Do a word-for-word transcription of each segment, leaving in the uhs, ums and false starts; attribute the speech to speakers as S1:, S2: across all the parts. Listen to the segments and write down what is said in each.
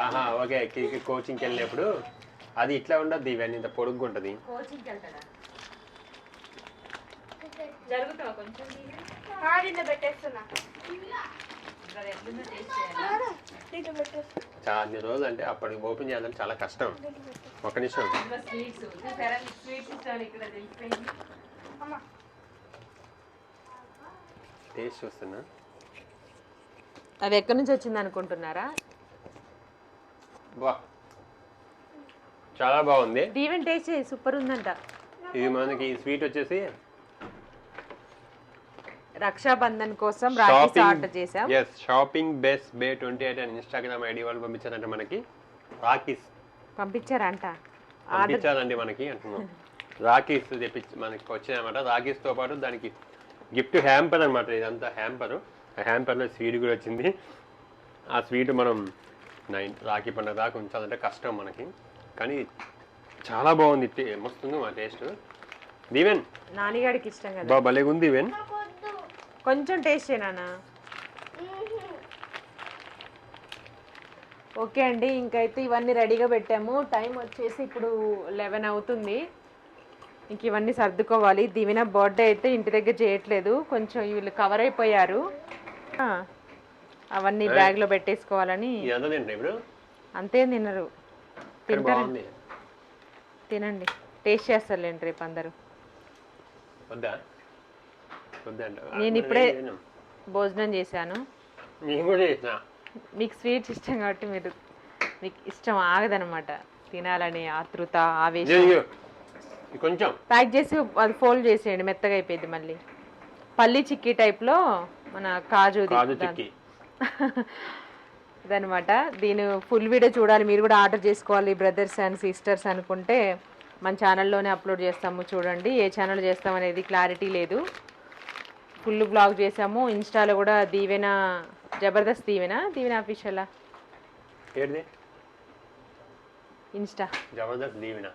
S1: ఆహా okay cricket కోచింగ్కి వెళ్ళినప్పుడు అది ఇట్లా ఉండదు ఇవన్నీ ఇంత పొడుగ్గా ఉంటుంది.
S2: కోచింగ్కి వెళ్తాడా జరుగుతావా కొంచెం
S3: పెట్టేస్తున్నా
S1: చాలా అన్ని రోజులు అంటే అప్పటికి ఓపెన్ చేయాలంటే చాలా కష్టం. ఒక నిమిషం
S2: స్వీట్స్ స్వీట్స్ ఇస్తాను ఇక్కడ తెలిసిపోయింది.
S1: టేస్ట్ చూస్తున్నా.
S2: అది ఎక్కడి నుంచి వచ్చింది అనుకుంటున్నారా?
S1: బా చాలా బాగుంది.
S2: దీవెన్ టేస్ట్ చేయి, సూపర్ ఉందంట.
S1: ఇది మనకి స్వీట్ వచ్చేసి
S2: రక్షాబంధన్ కోసం రాఖీ ఆర్డర్ చేసాం.
S1: yes shopping best bay twenty eight అని ఇన్స్టాగ్రామ్ ఐడి వాళ్ళు పంపించారంటే మనకి రాఖీస్
S2: పంపించారంట.
S1: పంపించారండి మనకి అంటున్నాం. రాఖీస్ తెప్పించి మనకి వచ్చాయన్నమాట. రాఖీస్ తో పాటు దానికి గిఫ్ట్ హ్యాంపర్ అనమాట. ఇదంతా హ్యాంపర్. ఆ హ్యాంపర్లో స్వీట్ కూడా వచ్చింది. ఆ స్వీట్ మనం నైన్ రాఖీ పండుగ దాకా ఉంచాలంటే కష్టం మనకి, కానీ చాలా బాగుంది. మస్తుంది మా టేస్ట్. దీవెన్
S2: నానిగాడికి ఇష్టం కదా,
S1: బా భలేగా ఉంది. దీవెన్
S2: కొంచెం టేస్ట్ చేయనా? ఓకే అండి, ఇంకైతే ఇవన్నీ రెడీగా పెట్టాము. టైం వచ్చేసి ఇప్పుడు లెవెన్ అవుతుంది. ఇంక ఇవన్నీ సర్దుకోవాలి. దివిన బర్త్డే అయితే ఇంటి దగ్గర చేయట్లేదు, కొంచెం వీళ్ళు కవర్ అయిపోయారు. అవన్నీ బ్యాగ్లో పెట్టేసుకోవాలని. అంతే తినరు, తింటారు. తినండి, టేస్ట్ చేస్తారులేండి రేపు అందరూ. నేను ఇప్పుడే భోజనం చేశాను. మీకు స్వీట్స్ ఇష్టం కాబట్టి మీరు మీకు ఇష్టం ఆగదనమాట, తినాలని ఆతృత ఆవేశం.
S1: కొంచెం
S2: ప్యాక్ చేసి అది ఫోల్డ్ చేసేయండి, మెత్తగా అయిపోయింది. మళ్ళీ పల్లి చిక్కీ టైప్లో మన కాజు అదనమాట. దీని ఫుల్ వీడియో చూడాలి, మీరు కూడా ఆర్డర్ చేసుకోవాలి బ్రదర్స్ అండ్ సిస్టర్స్ అనుకుంటే మన ఛానల్లోనే అప్లోడ్ చేస్తాము, చూడండి. ఏ ఛానల్ చేస్తాం అనేది క్లారిటీ లేదు. ఫుల్ బ్లాగ్ చేసాము. ఇన్స్టాలో కూడా దీవెన జబర్దస్త్ దీవెన దీవెన ఆఫీషియలా ఇన్స్టా
S1: జబర్దస్త్ దీవెన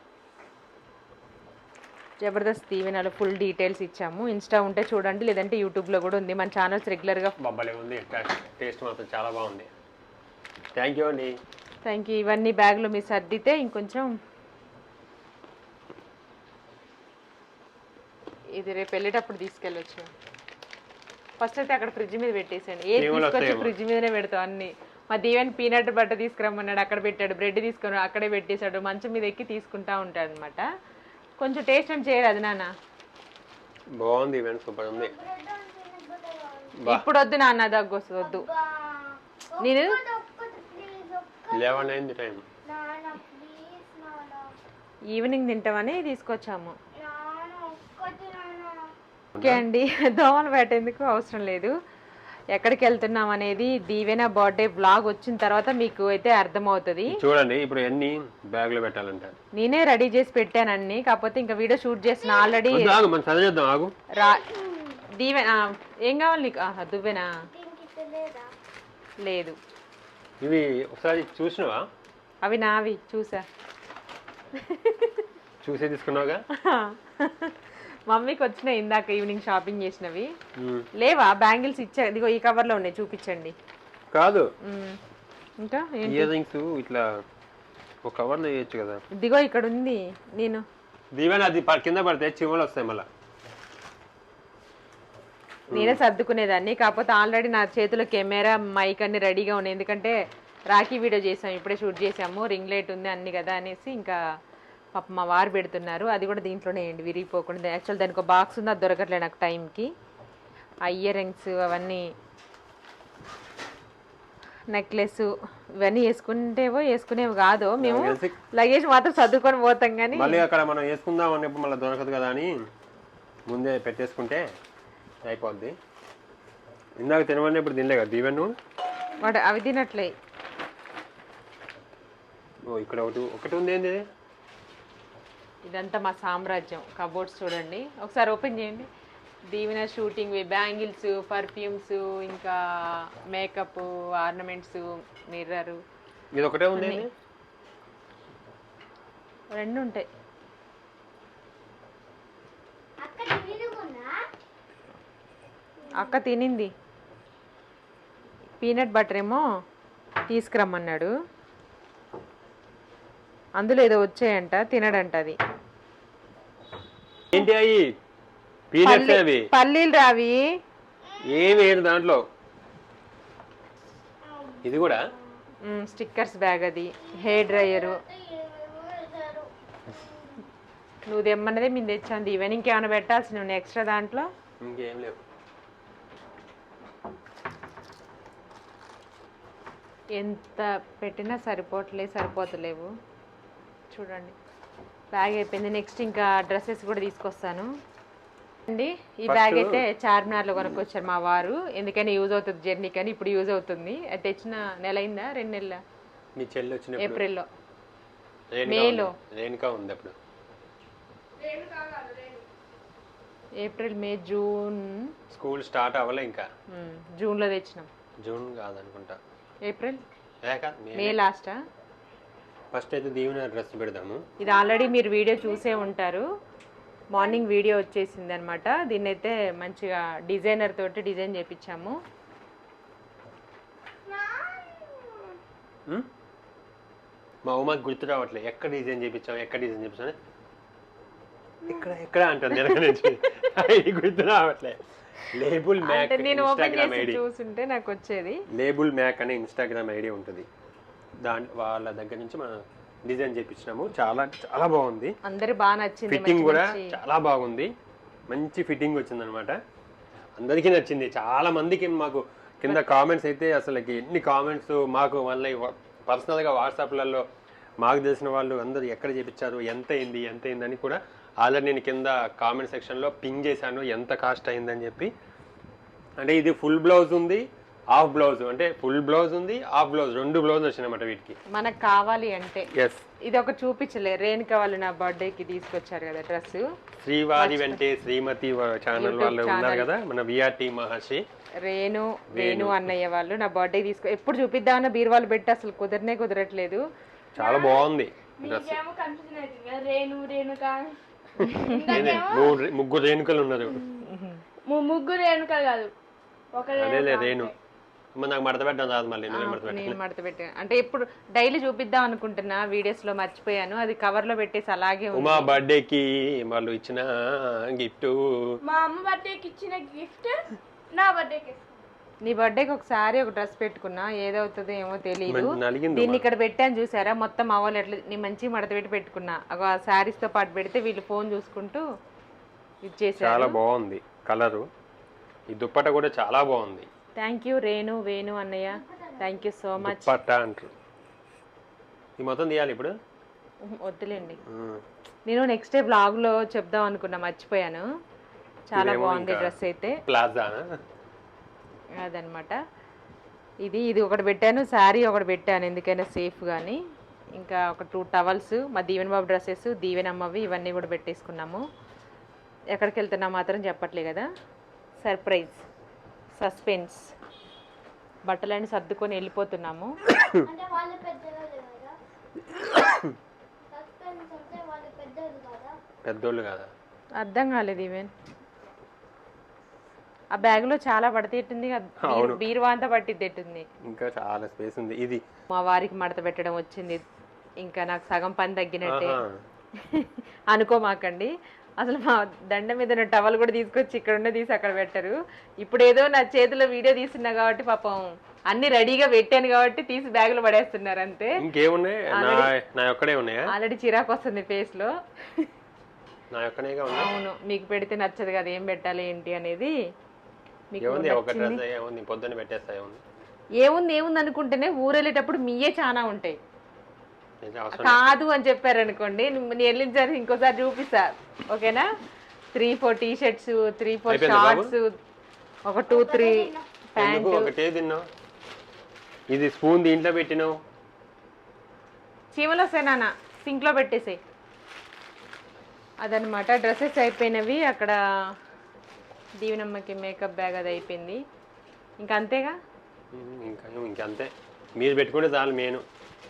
S2: జబర్దస్త్ దీవెనలో ఫుల్ డీటెయిల్స్ ఇచ్చాము. ఇన్స్టా ఉంటే చూడండి, లేదంటే యూట్యూబ్లో కూడా ఉంది. మన ఛానల్స్ రెగ్యులర్గా
S1: బొబ్బలే ఉంది. టేస్ట్ మాత్రం చాలా బాగుంది. థ్యాంక్ యూ అండి.
S2: Thank you. ఇవన్నీ బ్యాగ్లో మీరు సర్దితే ఇంకొంచెం ఇది రేపు వెళ్ళేటప్పుడు తీసుకెళ్ళొచ్చు. ఫస్ట్ అయితే అక్కడ ఫ్రిడ్జ్ మీద పెట్టేసాను. ఏది తీసుకొచ్చి ఫ్రిడ్జ్ మీదనే పెడతాం అన్ని. మా దీవెన్ పీనట్ బట్ట తీసుకురమ్మన్నాడు, అక్కడ పెట్టాడు. బ్రెడ్ తీసుకుని అక్కడే పెట్టేశాడు. మంచం మీద ఎక్కి తీసుకుంటా ఉంటాడు అనమాట. కొంచెం టేస్ట్ అని చేయరు అది నాన్న.
S1: బాగుంది, సూపర్ ఉంది.
S2: ఇప్పుడు వద్దు నాన్న, దగ్గు వస్తుంది, వద్దు. నేను ఈవినింగ్ తింటామని తీసుకొచ్చాము. ఓకే అండి, దోమలు పెట్టేందుకు అవసరం లేదు. ఎక్కడికి వెళ్తున్నాం అనేది దీవెన బర్త్డే బ్లాగ్ వచ్చిన తర్వాత మీకు అయితే అర్థమవుతుంది.
S1: చూడండి ఇప్పుడు ఎన్ని బ్యాగ్ లో పెట్టాలంట.
S2: నేనే రెడీ చేసి పెట్టాను అన్ని, కాకపోతే ఇంకా వీడియో షూట్ చేసిన ఆల్రెడీ. దీవెన ఏం కావాలి నీకు? దువ్వెనా లేదు.
S1: ఇవి ఒకసారి చూసినావా?
S2: అవి నావి, చూసా.
S1: చూసే తీసుకున్నావుగా.
S2: మమ్మీకి వచ్చినాయి ఇందాక ఈవినింగ్ షాపింగ్ చేసినవి. లేవా బ్యాంగిల్స్? ఇచ్చా, ఇదిగో ఈ కవర్ లో ఉన్నాయి, చూపించండి.
S1: కాదు
S2: ఇంకా
S1: ఇయర్ రింగ్స్ ఇట్లా ఒక కవర్ లో వేయచ్చు కదా.
S2: ఇదిగో ఇక్కడ ఉంది. నేను
S1: దీవెన అది కింద పడితే చివలు వస్తాయి మళ్ళా.
S2: నేనే సర్దుకునేదాన్ని, కాకపోతే ఆల్రెడీ నా చేతిలో కెమెరా మైక్ అన్ని రెడీగా ఉన్నాయి. ఎందుకంటే రాఖీ వీడియో చేసాము, ఇప్పుడే షూట్ చేసాము. రింగ్ లైట్ ఉంది అన్ని కదా అనేసి ఇంకా పాప మా వారు పెడుతున్నారు. అది కూడా దీంట్లోనే వేయండి, విరిగిపోకుండా. యాక్చువల్ దానికి ఒక బాక్స్ ఉంది, అది దొరకట్లేదు నాకు టైంకి. ఆ ఇయర్ రింగ్స్ అవన్నీ, నెక్లెస్ ఇవన్నీ వేసుకుంటేవో వేసుకునేవి కాదు. మేము లగేజ్ మాత్రం సర్దుకొని పోతాం, కానీ
S1: మళ్ళీ అక్కడ మనం వేసుకుందాం అన్నప్పుడు మళ్ళీ దొరకదు కదా అని ముందే పెట్టేసుకుంటే అయిపోద్ది. ఇందాక తినవన్నీ ఇప్పుడు తినలే కదా దీవెన్?
S2: వాడు అవి తినట్లే.
S1: ఓ ఇక్కడ ఒకటి ఒకటి ఉంది. ఏంది
S2: ఇదంతా మా సామ్రాజ్యం. కబోర్డ్స్ చూడండి ఒకసారి, ఓపెన్ చేయండి. దీవెన షూటింగ్, బ్యాంగిల్స్, పర్ఫ్యూమ్స్, ఇంకా మేకప్, ఆర్నమెంట్స్, మిర్రర్.
S1: ఇది ఒకటే ఉంది,
S2: రెండు ఉంటాయి. అక్క తినింది. పీనట్ బటర్ ఏమో తీసుకురమ్మన్నాడు. అందులో ఏదో వచ్చాయంట, తినడంట అది.
S1: ఏంటి అవి పీనట్స్ అవి?
S2: పల్లీలు రావి,
S1: ఏమి లేదు దాంట్లో. ఇది కూడా
S2: స్టిక్కర్స్ బ్యాగ్, అది హెయిర్ డ్రైయరు. నువ్వు తెమ్మన్నదే మేము తెచ్చాను. ఈవెన్ ఇంకేమైనా పెట్టాల్సి నువ్వు ఎక్స్ట్రా దాంట్లో?
S1: ఇంకేం లేవు.
S2: ఎంత పెట్టినా సరిపోవట్లేదు, సరిపోతలేవు. చూడండి బ్యాగ్ అయిపోయింది. నెక్స్ట్ ఇంకా డ్రెస్సెస్ కూడా తీసుకొస్తాను అండి. ఈ బ్యాగ్ అయితే చార్మినార్లో కొనుక్కొచ్చారు మా వారు, ఎందుకని యూజ్ అవుతుంది జర్నీ కానీ. ఇప్పుడు యూజ్ అవుతుంది. అది తెచ్చిన నెల అయిందా, రెండు నెలల?
S1: మీ చెల్లి వచ్చిన
S2: ఏప్రిల్లో,
S1: మేలో. రేణుకా ఉంది అప్పుడు.
S2: April, May, June.
S1: School start అవ్వలే ఇంకా.
S2: జూన్లో తెచ్చినాం.
S1: జూన్ కాదనుకుంటా,
S2: ఏప్రిల్,
S1: మే.
S2: మే లాస్టా?
S1: ఫస్ట్ అయితే దీవెన డ్రెస్ పెడదాము.
S2: ఇది ఆల్రెడీ మీరు వీడియో చూసే ఉంటారు. మార్నింగ్ వీడియో వచ్చేసింది అనమాట. దీన్ని అయితే మంచిగా డిజైనర్ తోటి డిజైన్ చేయించాము.
S1: మా ఉమాకి గుర్తు రావట్లేదు ఎక్కడ డిజైన్ చేయించాము, ఎక్కడ డిజైన్ చేయించాము, ఎక్కడ ఎక్కడ అంటుంది గుర్తు రావట్లేదు. లేబుల్ మ్యాక్ ఇన్స్టాగ్రామ్ ఐడి
S2: చూస్తుంటే నాకు వచ్చేది.
S1: లేబుల్ మ్యాక్ అనే ఇన్స్టాగ్రామ్ ఐడి ఉంటుంది. దాని వాళ్ళ దగ్గర నుంచి మనం డిజైన్ చేయించినాము. చాలా చాలా బాగుంది,
S2: అందరు బాగా నచ్చింది.
S1: ఫిట్టింగ్ కూడా చాలా బాగుంది, మంచి ఫిట్టింగ్ వచ్చింది అనమాట. అందరికీ నచ్చింది. చాలా మందికి మాకు కింద కామెంట్స్ అయితే అసలుకి ఎన్ని కామెంట్స్ మాకు మళ్ళీ పర్సనల్గా వాట్సాప్లలో మాకు తెలిసిన వాళ్ళు అందరూ ఎక్కడ చేయించారు, ఎంత అయింది ఎంత అయిందని కూడా ఆల్రెడీ నేను కింద కామెంట్ సెక్షన్లో పింగ్ చేశాను ఎంత కాస్ట్ అయిందని చెప్పి. అంటే ఇది ఫుల్ బ్లౌజ్ ఉంది, హాఫ్ బ్లౌజ్, అంటే ఫుల్ బ్లౌజ్ ఉంది, హాఫ్ బ్లౌజ్, రెండు బ్లౌజ్ వచ్చినాయన్నమాట వీటికి.
S2: మనకు కావాలి అంటే
S1: ఎస్,
S2: ఇది ఒక చూపించలే. రేణుక వాళ్ళు నా బర్త్డేకి తీసుకొచ్చారు కదా డ్రెస్.
S1: శ్రీవారి వెంటే శ్రీమతి ఛానల్ వాళ్ళు ఉన్నారు కదా మన విఆర్టీ మహర్షి,
S2: రేణు వేణు అన్నయ్య వాళ్ళు నా బర్త్డే తీసుకో ఎప్పుడు చూపిద్దామన్న బీరువాళ్ళు పెట్టి అసలు కుదరనే కుదరట్లేదు.
S1: చాలా బాగుంది. ముగ్గురు రేణుకలు ఉన్నారు.
S3: ముగ్గురు రేణుకలు కాదు,
S1: అదేలే రేణు. నాకు మడత పెట్టడం రాదు, మళ్ళీ
S2: నేను మడత పెట్టాను అంటే ఇప్పుడు డైలీ చూపిద్దాం అనుకుంటున్నా, వీడియోస్ లో మర్చిపోయాను. అది కవర్ లో పెట్టేసి అలాగే.
S1: ఉమా బర్త్డే కి వాళ్ళు ఇచ్చిన గిఫ్ట్,
S3: మా అమ్మ బర్త్డేకి ఇచ్చిన గిఫ్ట్ నా బర్త్డేకి.
S2: నీ బర్త్డేకి ఒకసారి ఒక డ్రెస్ పెట్టుకున్నా, ఏదవుతుందో ఏమో తెలియదు. దీన్ని ఇక్కడ పెట్టాను చూసారా, మొత్తం అవ్వాలి ఎట్లా నీ మంచి మడత పెట్టి పెట్టుకున్నా. ఆ శారీస్ తో పాటు పెడితే వీళ్ళు ఫోన్ చూసుకుంటూ ఇచ్చేసారు.
S1: చాలా బాగుంది కలరు. ఈ దుప్పట కూడా చాలా బాగుంది.
S2: థ్యాంక్ యూ రేణు వేణు అన్నయ్య, థ్యాంక్ యూ సో మచ్.
S1: దుప్పట అంటారు. ఈ మొత్తం తీయాలి ఇప్పుడు?
S2: వద్దులేండి, నేను నెక్స్ట్ డే బ్లాగ్ లో చెప్దాం అనుకున్నా, మర్చిపోయాను. చాలా బాగుంది డ్రెస్ అయితే.
S1: ప్లాజా
S2: అదనమాట. ఇది ఇది ఒకటి పెట్టాను, శారీ ఒకటి పెట్టాను ఎందుకైనా సేఫ్ కానీ. ఇంకా ఒక టూ టవల్స్, మా దీవెన బాబు డ్రెస్సెస్, దీవెన అమ్మవి, ఇవన్నీ కూడా పెట్టేసుకున్నాము. ఎక్కడికి వెళ్తున్నా మాత్రం చెప్పట్లే కదా, సర్ప్రైజ్, సస్పెన్స్. బట్టలన్నీ సర్దుకొని వెళ్ళిపోతున్నాము.
S1: పెద్దోళ్ళు కదా,
S2: అర్థం కాలేదు ఈవెన్. ఆ బ్యాగ్ లో చాలా పడతేట్టుంది, బీరువా అంతా పట్టిద్దెట్టుంది.
S1: ఇంకా చాలా స్పేస్ ఉంది. ఇది
S2: మా వారికి మడత పెట్టడం వచ్చింది, ఇంకా నాకు సగం పని తగ్గినట్టే అనుకోమాకండి. అసలు మా దండ మీద ఉన్న టవల్ కూడా తీసుకొచ్చి ఇక్కడ ఉన్న తీసి అక్కడ పెట్టరు. ఇప్పుడు ఏదో నా చేతిలో వీడియో తీస్తున్నా కాబట్టి పాపం అన్ని రెడీగా పెట్టాను కాబట్టి తీసి బ్యాగ్ లో పడేస్తున్నారు అంతే.
S1: ఇంకేమున్నాయి, ఆల్రెడీ
S2: చిరాకు వస్తుంది ఫేస్ లో.
S1: అవును,
S2: మీకు పెడితే నచ్చదు కదా ఏం పెట్టాలి ఏంటి అనేది. ఏముంది ఏముంది అనుకుంటేనే ఊరెళ్ళేటప్పుడు మీయే చాలా ఉంటాయి. కాదు అని చెప్పారు అనుకోండి, నేను వెళ్ళించారు ఇంకోసారి చూపిస్తా, ఓకేనా? Three four T shirts, three four shorts, ఒక టూ త్రీ ప్యాంట్.
S1: ఇది స్పూన్ దీంట్లో పెట్టినావు,
S2: చీమలు వస్తాయి నాన్న, సింక్ లో పెట్టేసాయి. అదనమాట. డ్రెస్సెస్ అయిపోయినవి. అక్కడ దీవెనమ్మకి మేకప్ బ్యాగ్ అది అయిపోయింది. ఇంకా అంతేగా,
S1: ఇంకా ఇంకంతే. మీరు పెట్టుకుంటే చాలు. మెయిన్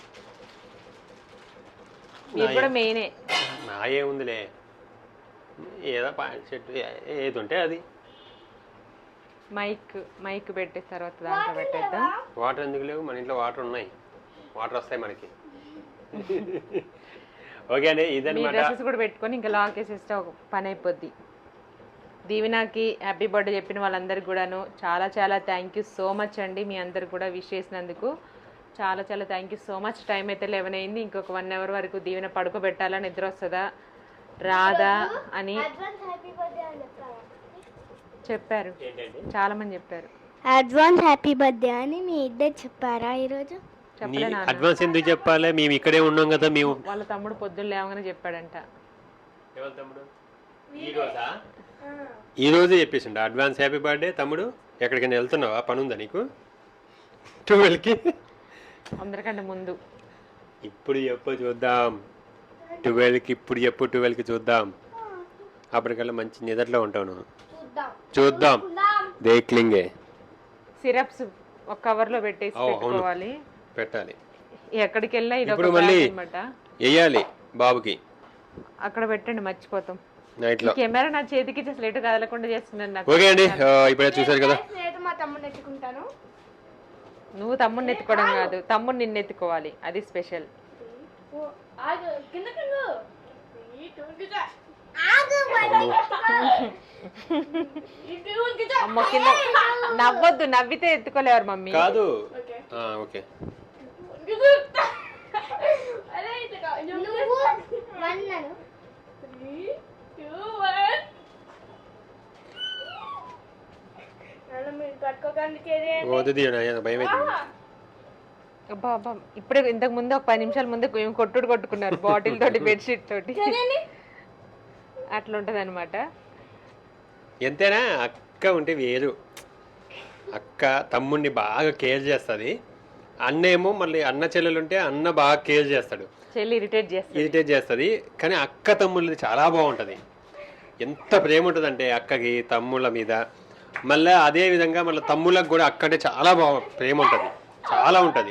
S2: మీరు కూడా మెయినే.
S1: నా ఏముందిలే, ఏదో ప్యాంట్ షర్ట్ ఏది ఉంటే అది.
S2: మైక్ మైక్ పెట్టే తర్వాత దాంట్లో పెట్టేద్దాం.
S1: వాటర్ ఎందుకు లేవు? మన ఇంట్లో వాటర్ ఉన్నాయి, వాటర్ వస్తాయి మనకి. ఓకే అండి
S2: మీ
S1: ఇదన్నమాట.
S2: డ్రెస్సెస్ కూడా పెట్టుకొని ఇంకా లాక్ వేసేస్తే ఒక పని అయిపోద్ది. దీవెనకి హ్యాపీ బర్త్డే చెప్పిన వాళ్ళందరికీ కూడాను చాలా చాలా థ్యాంక్ యూ సో మచ్ అండి. మీ అందరు కూడా విష్ చేసినందుకు చాలా చాలా thank you so much. Time అయితే లెవెన్ అయింది. ఇంకొక వన్ అవర్ వరకు దీవెన పడుకోబెట్టాలా, నిద్ర వస్తుందా రాదా అని చెప్పారు, చాలా మంది చెప్పారు.
S4: అడ్వాన్స్ హ్యాపీ బర్త్డే అని మీ ఇద్దరు చెప్పారా ఈరోజు?
S2: చెప్పలే నాన్న,
S1: అడ్వాన్స్ ఎందుకు చెప్పాలి, మేము ఇక్కడే ఉన్నాం కదా. మేము
S2: వాళ్ళ తమ్ముడు పొద్దున్న లేవగానే చెప్పాడంట.
S1: ఈ రోజే చెప్పేసిండు అడ్వాన్స్ హ్యాపీ బర్త్డే తమ్ముడు. ఎక్కడికైనా వెళ్తున్నావా, పని ఉందా నీకు ట్వెల్వ్కి?
S2: అందరికంటే ముందు
S1: ఇప్పుడు చెప్పు చూద్దాం. ట్వెల్వ్కి ఇప్పుడు చెప్పు, ట్వెల్వ్కి చూద్దాం. అప్పటికల్లా మంచి నిద్రలో ఉంటాను. చూద్దాం దేక్లింగే.
S2: సిరప్స్ ఒక కవర్ లో పెట్టేసి పెట్టుకోవాలి,
S1: పెట్టాలి.
S2: ఎక్కడికి వెళ్ళినా ఇది
S1: ఇప్పుడు
S2: ఒక
S1: మళ్ళీ
S2: అనమాట.
S1: వేయాలి బాబుకి.
S2: అక్కడ పెట్టండి, మర్చిపోతాం.
S1: నైట్ లో
S2: కెమెరా నా చేతికి ఇచ్చేసి లేట్ కదలకుండా చేస్తున్నాను నాకు.
S1: ఓకే అండి, ఇప్పుడే చూసారు కదా.
S3: నేను మా తమ్ముడు ఎత్తుకుంటాను.
S2: నువ్వు తమ్ముడిని ఎత్తుకోవడం కాదు, తమ్ముడు నిన్ను ఎత్తుకోవాలి, అది స్పెషల్.
S3: ఆగు కింద కింద
S2: అమ్మ కింద నవ్వొద్దు, నవ్వితే ఎత్తుకోలేవారు మమ్మీ.
S1: కాదు ఓకే భయం అవుతుంది.
S2: అబ్బా అబ్బా ఇప్పుడే ఇంతకు ముందు ఒక పది నిమిషాల ముందు ఏం కొట్టుడు కొట్టుకున్నారు బాటిల్ తోటి, బెడ్షీట్ తోటి. అట్లా ఉంటది అనమాట.
S1: ఎంతైనా అక్క ఉంటే వేరు. అక్క తమ్ముడిని బాగా కేర్ చేస్తుంది. అన్న ఏమో మళ్ళీ అన్న చెల్లెలు ఉంటే అన్న బాగా కేర్ చేస్తాడు,
S2: చెల్లి ఇరిటేట్ చేస్తుంది
S1: ఇరిటేట్ చేస్తుంది. కానీ అక్క తమ్ముళ్ళది చాలా బాగుంటుంది. ఎంత ప్రేమ ఉంటుంది అంటే అక్కకి తమ్ముళ్ళ మీద. మళ్ళీ అదే విధంగా మళ్ళీ తమ్ముళ్ళకి కూడా అక్క అంటే చాలా బాగా ప్రేమ ఉంటుంది, చాలా ఉంటుంది.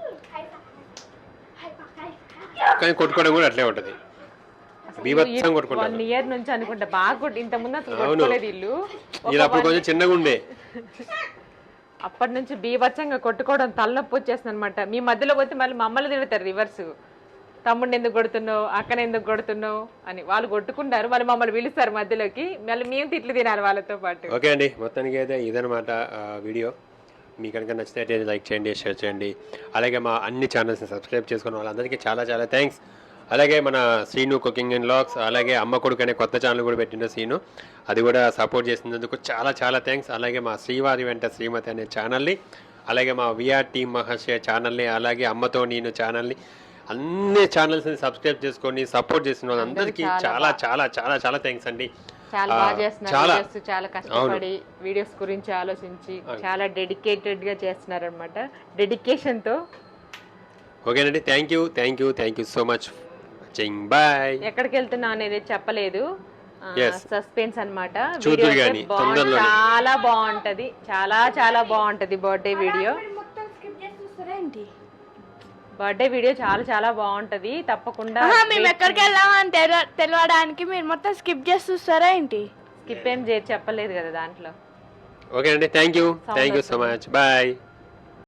S1: కానీ కొట్టుకోవడం కూడా అట్లే ఉంటుంది, బీభత్సం కొట్టుకుంటారు.
S2: వన్ ఇయర్ నుంచి అనుకుంటా బాగా కొట్టి, ఇంత ముందు అసలు కొట్టుకోలేదు ఇల్లు.
S1: ఇది అప్పుడు కొంచెం చిన్నగా ఉండే,
S2: అప్పటి నుంచి బీభత్సంగా కొట్టుకోవడం తలనొప్పి వచ్చేస్తుంది అనమాట. మీ మధ్యలో పోతే మళ్ళీ మమ్మల్ని తిడతారు రివర్స్, తమ్ముడిని ఎందుకు కొడుతున్నావు, అక్కని ఎందుకు కొడుతున్నావు అని. వాళ్ళు కొట్టుకుంటారు, మళ్ళీ మమ్మల్ని పిలుస్తారు మధ్యలోకి, మళ్ళీ మేము తిట్లు తినాలి వాళ్ళతో పాటు.
S1: ఓకే అండి, మొత్తానికి అయితే ఇదనమాట వీడియో. మీ కనుక నచ్చితే లైక్ చేయండి, షేర్ చేయండి. అలాగే మా అన్ని ఛానల్స్ని సబ్స్క్రైబ్ చేసుకున్న వాళ్ళందరికీ చాలా చాలా థ్యాంక్స్. అలాగే మన శ్రీను కుకింగ్ అండ్ వ్లాగ్స్, అలాగే అమ్మ కొడుకు అనే కొత్త ఛానల్ కూడా పెట్టిన శ్రీను, అది కూడా సపోర్ట్ చేసినందుకు చాలా చాలా థ్యాంక్స్. అలాగే మా శ్రీవారి వెంట శ్రీమతి అనే ఛానల్ని, అలాగే మా విఆర్ టీమ్ మహర్షి ఛానల్ని, అలాగే అమ్మతో నేను ఛానల్ని, అన్ని ఛానల్స్ని సబ్స్క్రైబ్ చేసుకొని సపోర్ట్ చేసిన వాళ్ళందరికీ చాలా చాలా చాలా చాలా థ్యాంక్స్ అండి.
S2: చాలా బాగా చేస్తున్నారు వీడియోస్, చాలా కష్టపడి వీడియోస్ గురించి ఆలోచించి చాలా డెడికేటెడ్ గా చేస్తున్నారు అనమాట, డెడికేషన్ తో.
S1: ఓకేనండి, thank you thank you thank you so much. Bye.
S2: ఎక్కడికి వెళ్తున్నా అనేది చెప్పలేదు, సస్పెన్స్ అనమాట. చాలా బాగుంటది, చాలా చాలా బాగుంటది బర్త్డే వీడియో. బర్త్డే వీడియో చాలా చాలా బాగుంటది, తప్పకుండా.
S3: మేము ఎక్కడికి వెళ్ళామని తెలవడానికి మీరు మొత్తం స్కిప్ చేసి చూస్తారా ఏంటి?
S2: స్కిప్ ఏం చేసి చెప్పలేదు కదా దాంట్లో.
S1: ఓకే అండి, thank you thank you so much. Bye.